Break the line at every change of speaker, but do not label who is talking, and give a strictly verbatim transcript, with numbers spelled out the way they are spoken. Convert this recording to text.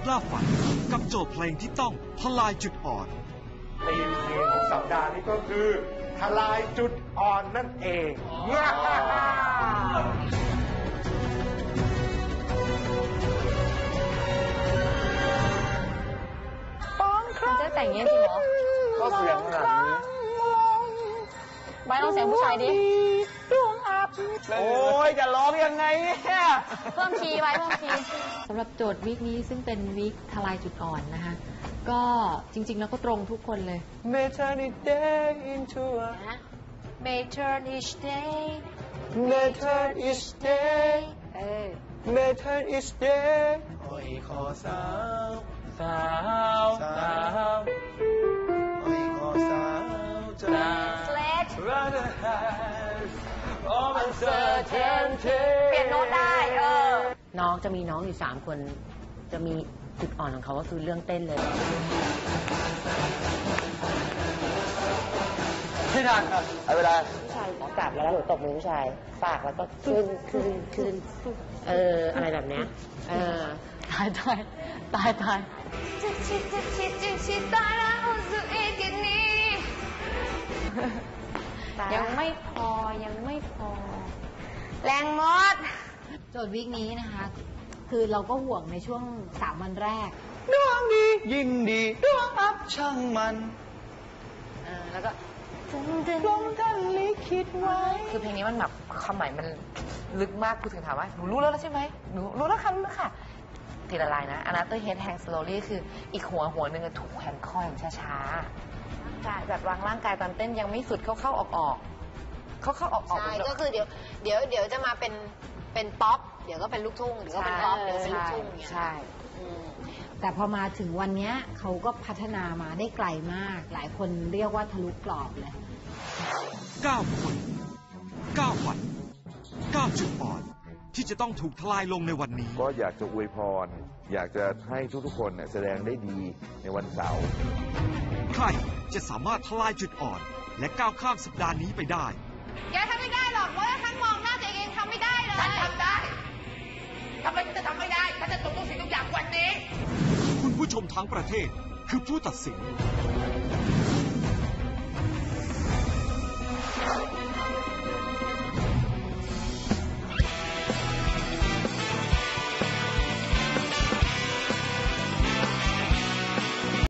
ล่าฝันกับโจทย์เพลงที่ต้องทลายจุดอ่อน
ธีมเพลงของสัปดาห์นี้ก็คือทลายจุดอ่อนนั่นเอง
มันจะแต่งเงี้ยจริงเหรอ
ก็เสียงขนาดนี้
ไว้ลองเสียงผู้ชายดิ
โอ้ยจะร้องยังไงเนี่ย
เพิ่มคีย์ไว้เพิ่มคีย์สำหรับโจทย์วีคนี้ซึ่งเป็นวีคทลายจุดอ่อนนะคะก็จริงๆแล้วก็ตรงทุกคนเลย
May turn each day into a
May turn each day
May turn each day
เออ
May turn each day โอ้ยขอสาวสาวสาวโอ้ยขอสาวจะ
Sledge
rather have all uncertainty
เปลี่ยนโน้ตได้เออ
น้องจะมีน้องอยู่สามคนจะมีจุดอ่อนของเขาก็คือเรื่องเต้นเลย
ที่นานครับเอาเวลา
ผู้ชายกลับแล้วหนูตบมือผู้ชายฝากแล้วก็ขึ้นขึ้นขึ้นเอออะไรแบบเนี้ยเออตายตายตายตาย
จะชิดจะชิดจะชิดตายแล้วสุดอีกนี้ยังไม่พอยังไม่พอแรงมดโจทย์วีคนี้นะคะคือเราก็ห่วงในช่วงสามวันแรก
ดวงดียิ่งดีดวงอับช่างมัน
เออแล้วก็
ลงท่านลิขิตไว้
คือเพลงนี้มันแบบความหมายมันลึกมากคุณถึงถามว่าหนูรู้แล้วใช่ไหมหนูรู้แล้วค่ะรู้แล้วค่ะทีละลายนะ Another Head Hang Slowly คืออีกหัวหัวหนึ่งถูกแขวนคออย่างช้าๆใช่แบบวางร่างกายตอนเต้นยังไม่สุดเข้าๆออกๆเข้าๆออกๆ
ใช่ก็คือเดี๋ยวเดี๋ยวเดี๋ยวจะมาเป็นเป็นป๊อปเดี๋ยวก็เป็นลูกทุ่งเดี๋ยวก็เป็นป๊อปเดี๋ยวเป็นลูกทุ่งอย่างเงี้ย
ใช่
แต่พอมาถึงวันนี้เขาก็พัฒนามาได้ไกลมากหลายคนเรียกว่าทะลุกรอบเลย
เก้าคนเก้าวันเก้าจุดอ่อนที่จะต้องถูกทลายลงในวันนี้
ก็อยากจะอวยพรอยากจะให้ทุกๆคนแสดงได้ดีในวันเสาร์
ใครจะสามารถทลายจุดอ่อนและก้าวข้ามสัปดาห์นี้ไปได้
แกทำไม่ได้หรอกเพราะว่าฉันมองหน้าตัวเองทำไม่ได้เลย
ฉันทำได้ทำไมฉันจะทำไม่ได้ฉันจะจบทุกสิ่งทุกอย่างวันนี้
คุณผู้ชมทั้งประเทศคือผู้ตัดสิน